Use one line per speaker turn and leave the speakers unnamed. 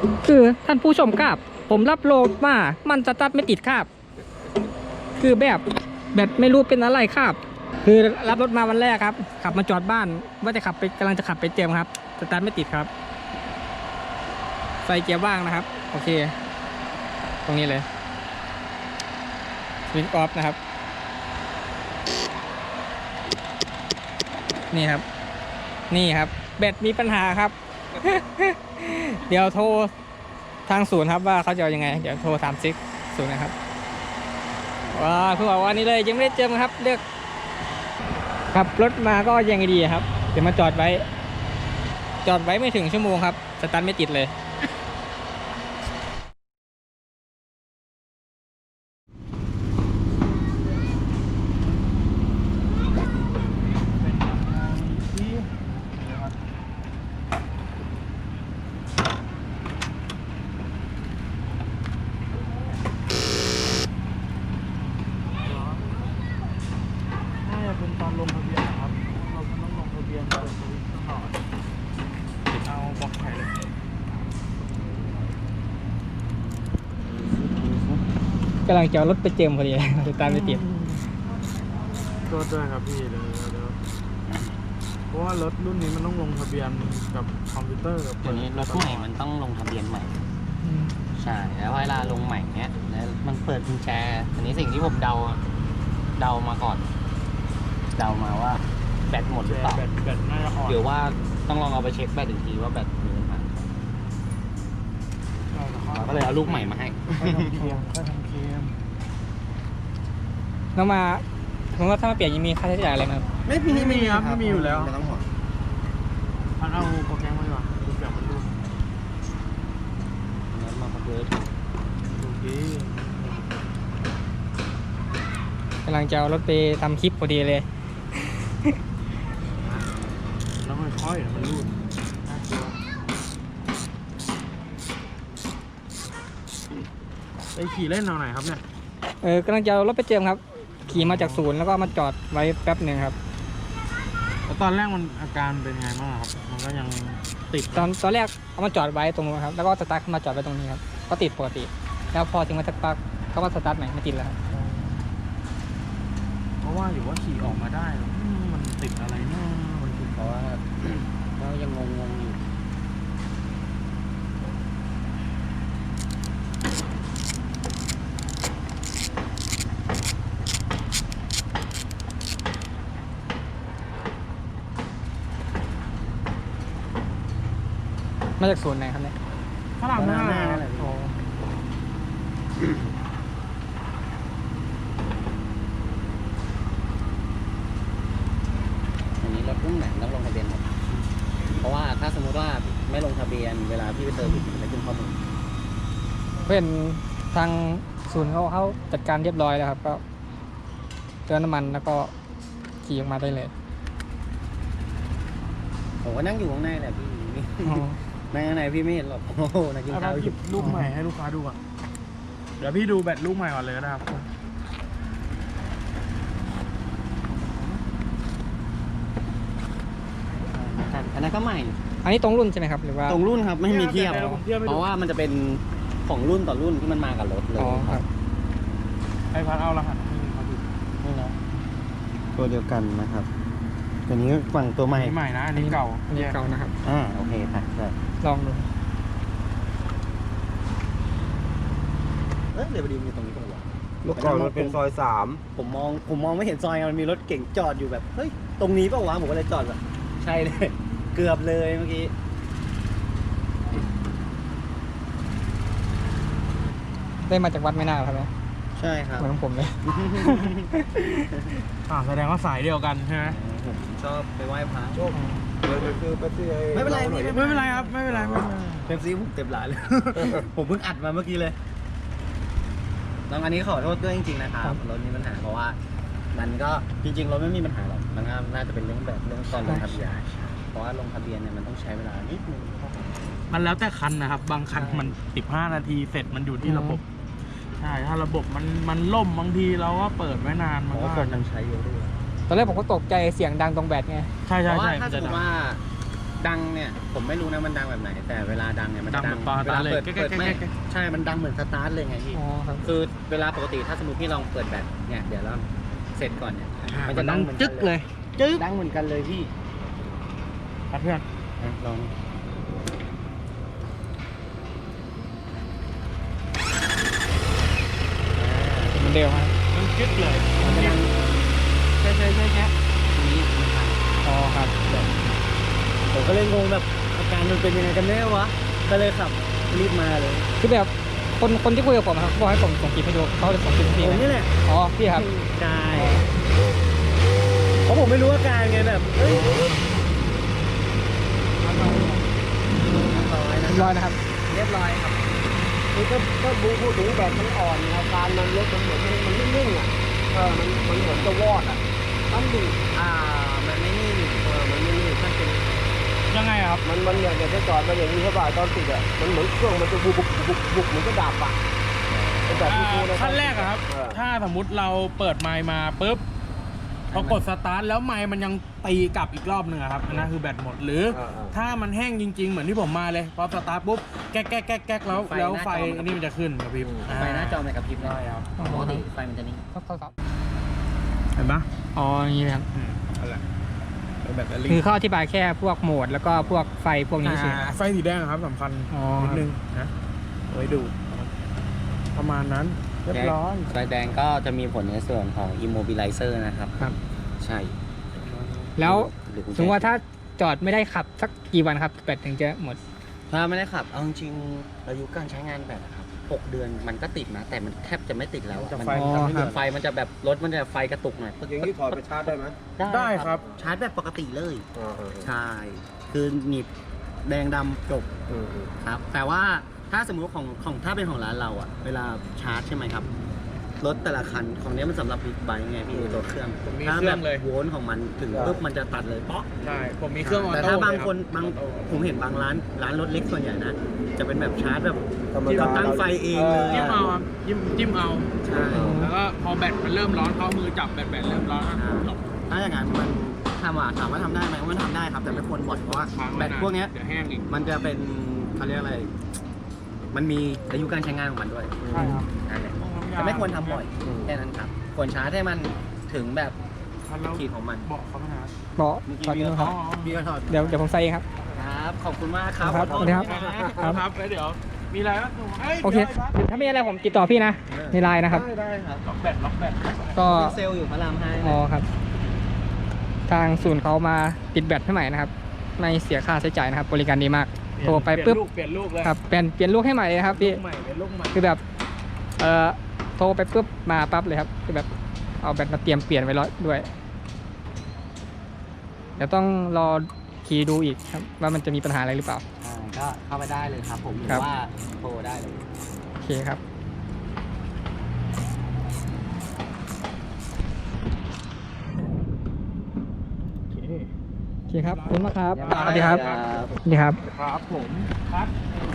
คือท่านผู้ชมครับผมรับโหลดมามันสตาร์ทไม่ติดครับคือแบบไม่รู้เป็นอะไรครับคือรับรถมาวันแรกครับขับมาจอดบ้านว่าจะขับไปกำลังจะขับไปเจิมครับสตาร์ทไม่ติดครับไฟเกียร์ว่างนะครับโอเคตรงนี้เลยวินออฟนะครับนี่ครับแบตมีปัญหาครับ เดี๋ยวโทรทางศูนย์ครับว่าเขาจะเอายังไงเดี๋ยวโทรถามซิกศูนย์นะครับว้าคือบอกว่านี่เลยยังไม่ได้เจอมั้งครับเลือกขับรถมาก็ยังไงดีครับเดี๋ยวมาจอดไว้ไม่ถึงชั่วโมงครับสตาร์ทไม่ติดเลย
น่าจะเป็นตอนลงทะเบียนนะครับเราต้องลงทะเบียนเปิดสวิตช์ตลอดเอาบล็อกไข่เลย
กำลังจะเอารถไปเจิมพอดีสตาร์ทไม่ติด
ก็ด้วยครับพี่เดี๋ยวเพราะว่ารถรุ่นนี้มันต้องลงทะเบียนกับคอมพิวเตอร์กับ
เดี๋ยวนี้รถใหม่มันต้องลงทะเบียนใหม่ใช่แล้วเวลาลงใหม่เนี้ยแล้วมันเปิดกุญแจอันนี้สิ่งที่ผมเดามาก่อนเดามาว่าแบตหมดหรือเปล่า
แบตน่าจะอ่อน
หรือว่าต้องลองเอาไปเช็คแบตอีกทีว่าแบตมีปัญหาเราก็เลยเอาลูกใหม่มาให้
ค่อยทำเคม
แล้วมาผมว่าถ้ามาเปลี่ยนยังมีค่าใช้จ่ายอะไรไหมครับ
ไม่มีครับไม่มีอยู่แล้ว
ไม่ต้องห่วง
พันเอาโปรแกรมมาดีกว่าโปรแกรมมันดู
งั้นมาคอนเวิร์ต
ดูดี
กำลังจะเอารถไปทำคลิปพอดีเลย
แล้วมันค่อยมันรูดน่ากลัวไปขี่เล่นเอาไหนครับเนี่ย
กำลังจะเอารถไปเจิมครับขี่มาจากศูนย์แล้วก็มาจอดไว้แป๊บหนึ่งครับ
แล้วตอนแรกมันอาการเป็นไงบ้างครับมันก็ยังติด
ตอนแรกเอามาจอดไว้ตรงนู้นครับแล้วก็สตาร์ทเข้ามาจอดไว้ตรงนี้ครับก็ติดปกติ แล้วพอถึงมาสักพักก็มาสตาร์ทใหม่ไม่ติดแล้วครับ
เพราะว่าอยู่ว่าขี่ออกมาได้มันติดอะไรเนาะมันติด
เพราะว่า ก็ยังงงอยู่
มาจากศูนย์ไหนครับเนี่ย
ฝรั่งหน้า
โอ้
อันนี้รถรุ่นไหนต้องลงทะเบียนหมดเพราะว่าถ้าสมมติว่าไม่ลงทะเบียนเวลาพี่ไปเติมมันจะขึ้นข้อมูล
เพื่อนทางศูนย์เขาจัดการเรียบร้อยแล้วครับก็เติมน้ำมันแล้วก็ขี่ออกมาได้เลย
ผมก็นั่งอยู่ข้างในแหละพี่
อ๋อ
นั่งข้างในพี่ไม่เห็นหรอกโอ้โหนั่งกิน
เอา
ข้าวอ
หยิ
ยู่
บลูกใหม่ให้ลูกค้าดูก่อนเดี๋ยวพี่ดูแบตลูกใหม่ก่อนเลยก็ได้ครับ
อันนั้นก็ใหม่
อันนี้ตรงรุ่นใช่ไหมครับหรือว่า
ตรงรุ่นครับไม่มีเทียบ
ดี๋วผมเทียบให้
เพ
ดู
ราะว่ามันจะเป็นของรุ่นต่อรุ่นที่มันมากับรถเลย
อ๋อครับ
ไอพัดเอารหัสให้เขาดู
นี่นะตัวเดียวกันนะครับตัวนี้ฝั่งตัวใหม่
อันนี้ใหม่นะอันนี้เก่า
อันนี้เก่านะครับ
โอเคครับใช่
ลองดู
เดี๋ยวพอดีมีตรงนี้ตรงหัว
เมื่อก่อนมันเป็นซอยสาม
ผมมองไม่เห็นซอยมันมีรถเก่งจอดอยู่แบบเฮ้ยตรงนี้เปล่าวะผมก็เลยจอดแบบใช่เลย เกือบเลยเมื่อกี้
ได้มาจากวัดไม่น่าครับเนี่ย
ใช่ครับ
เหมือนของผมเลย
แสดงว่าสายเดียวกันใช่ไหม
ผมชอบไปไหว้พระ
โชคเลยไปซื้อไปซื้อ
ไม่เป็นไร
หอย
ไม่เป็นไรครับไม่เป็นไร
เป็นซีผมเต็มร้านเลย ผมเพิ่งอัดมาเมื่อกี้เลยน้องอันนี้ขอโทษด้วยจริงๆนะครับรถมีปัญหาเพราะว่า มันก็จริงๆรถไม่มีปัญหาหรอกมันก็น่าจะเป็นเรื่องแบบเรื่องตอนลงทะเบียนเพราะว่าลงทะเบียนเนี่ยมันต้องใช้เวลานิดนึง
มันแล้วแต่คันนะครับ บางคันมัน15 นาทีเสร็จมันอยู่ที่ระบบใช่ถ้าระบบมันล่มบางทีเราก็เปิดไว้นาน
เพ
มัน
ราะ
ก็
ว่าคนยังใช้เยอะด้วย
ตอนแรกผมก็ตกใจเสียงดังตรงแบตไง
ใช่
เพ
ใช่
ราะว่า
ใช่
ถ้าสมมติว่าดังเนี่ยผมไม่รู้นะมันดังแบบไหน แต่เวลาดังเนี่ยมันจะ
ดังเหมือนตอน
เวลาเปิด
เลย
เปิดไม่
แก๊ก
ใช่มันดังเหมือนสตาร์ทเลยไงพี่
อ๋อครับ
คือเวลาปกติถ้าสมมติพี่ลองเปิดแบตเนี่ยเดี๋ยวเราเสร็จก่อนเนี่ย
มันจะดัง
หมือน
จึ๊กเลย
จึ๊กดังเหมือนกันเลยพี่
ครับเพื่อน
ลอง
เหมือนเดิมครับ
มันจึ๊กเลย
มันจะดังแค่นี้นะครับ
อ๋อครับ
ผมก็เลยงงแบบอาการมันเป็นยังไงกันแน่วะก็เลยขับรีบมาเลย
คือแบบคนที่คุยกับผมครับบอกให้ผมส่งคลิปให้ดูเขาเลยส่งคลิปให้พี่
ผม
นะ
นี่แหละ
อ๋อพี่ครับ
ใช่เพราะผมไม่รู้อาการไงแบบเฮ้ย
เรียบร้อยนะครับ
เรียบร้อยครับ
นี่ก็พูดถึงแบบมันอ่อนอาการมันรถมันเหมือนมันไม่นิ่งอ่ะมันเหมือนจะวอดอ่ะมันดิ่ง
มันไม่นิ่ง
มันไม่นิ่ง
มันเป็น
ยังไงครับ
มันอยากจะจอดมาอย่างนี้ใช่ป่ะตอนติดอ่ะมันเหมือนเครื่องมันจะบุกเหมือนก็ดับอ่ะเป็นแบบที่พูดนะ
ขั้นแรกอะครับ ถ้าสมมุติเราเปิดไมค์มาปุ๊บพอกดสตาร์ทแล้วไมค์มันยังตีกลับอีกรอบหนึ่งอะครับอันนั้นคือแบตหมดหรือ ถ้ามันแห้งจริง ๆ เหมือนที่ผมมาเลยพอสตาร์ทปุ๊บแก๊กแล้วไฟอันนี้มันจะขึ้นครับพี่
ไฟหน้าจอมันกระพริบเลย
ใช่ครับ
ปกติไฟมันจะนิ่ง
ครับ
เห็นปะ
อ๋ออย่างนี้นะครับ
อะไรเป็นแบตเตอรี่
คือเขาอธิบายแค่พวกโหมดแล้วก็พวกไฟพวกนี้ใช่ไหม
ไฟสีแดงครับสำคัญ
อ๋อ
นิดนึงนะเอาไว้ดู ประมาณนั้นเรียบร้อย
ไฟแดงก็จะมีผลในส่วนของ immobilizer นะครับ
ครับ
ใช่
แล้ว
หรือกุญแจ
สมมติว่าถ้าจอดไม่ได้ขับสักกี่วันครับแบตถึงจะหมด
ถ้าไม่ได้ขับ เอาจริงๆอายุการใช้งานแบตอะครับ 6 เดือนมันก็ติดนะ แต่มันแทบจะไม่ติดแล้วอะ
จะ
มัน
ไฟ
อ๋อ
ทำให้
ค
เห
รั
ลื
บ
อ
ไฟมันจะแบบรถมันจะไฟกระตุกหน่อย
อย่างนี้ถอดไปชาร์จได้ไหม
ได้ครับ
ชาร์จแบบปกติเลย ใช่ คือหนีบแดงดำจบครับ แต่ว่าถ้าสมมุติของถ้าเป็นของร้านเราอะเวลาชาร์จใช่ไหมครับ รถแต่ละคันของนี้มันสำหรับบิ๊กไบค์ไงพี่ตัวเครื่อง
ผมมี
ถ้า
เครื่
แบ
อง
บ
เลย
โวลต์ของมันถึงปุ๊บมันจะตัดเลยเปาะ
ใช่ผมมีเครื่องออ
แต่
โต้
ถ้าบาง
เลยรับ
คนผมเห็นบางร้านรถเล็กส่วนใหญ่นะ จะเป็นแบบชาร์จแบบ
ธรรมดา
ตั้งไฟเองเลย
จิ้มเอาครับจิ้มเอา
ใช่
แล้วก็พอแบตมันเริ่มร้อนเข้ามือจับแบตเริ่มร้อนหลบ
ถ้าอย่างนั้นมันถามว่าทำได้ไหมมันทำได้ครับ แต่ไม่ควรบ่อยเพราะว่า
ค้าง
แบ
ไว้
ต
นาน
พวกเนี้ย
เดี๋ยวแห้งอีก
มันจะเป็นเขาเรียกอะไร มันมีอายุการใช้งานของมันด้วย
ใช่ครับ
นั่นแหละแต่ไม่ควรทำบ่อยแค่นั้นครับควรชาร์จให้มันถึงแบบ
แล้ว
ขีดของมัน
บอกเขาไหมฮะ
บอกตอนนี้ครับ
พี่ก็ถอด
เดี๋ยวผมใส่เองครับ
ครับ ขอบคุณมากครับ
ครับ
ขอโทษ
สวัสดีครับ
ครับแล้วเดี๋ยว มีอะไรบ้าง
โอเค ถ้ามีอะไรผมติดต่อพี่นะในไลน์นะครับ
ได้ครับ
ล็อกแบต
ก็
เซลล์อยู่พระรามห้า
อ๋อครับ ทางศูนย์เขามาติดแบตให้ใหม่นะครับ ไม่เสียค่าใช้จ่ายนะครับ บริการดีมาก โทรไปปุ๊บ
เปลี่ยนลูกเลย
ครับเปลี่ยนลูกให้ใหม่เลยนะครับพี่
ลูกใหม่เป็นลูกใหม่
คือแบบโทรไปปุ๊บมาปั๊บเลยครับคือแบบเอาแบตมาเตรียมเปลี่ยนไว้ร้อยด้วย เดี๋ยวต้องรอขี่ดูอีกครับว่ามันจะมีปัญหาอะไรหรือเปล่า
ก็เข้าไปได้เลยครับผมหรื
ครั
อบ ว่าโทรได้เลย
โอเคครับ โอเคครับขอบคุณมากครับ สวัสดีครับ สวัสดีครับ
ครับผมครับ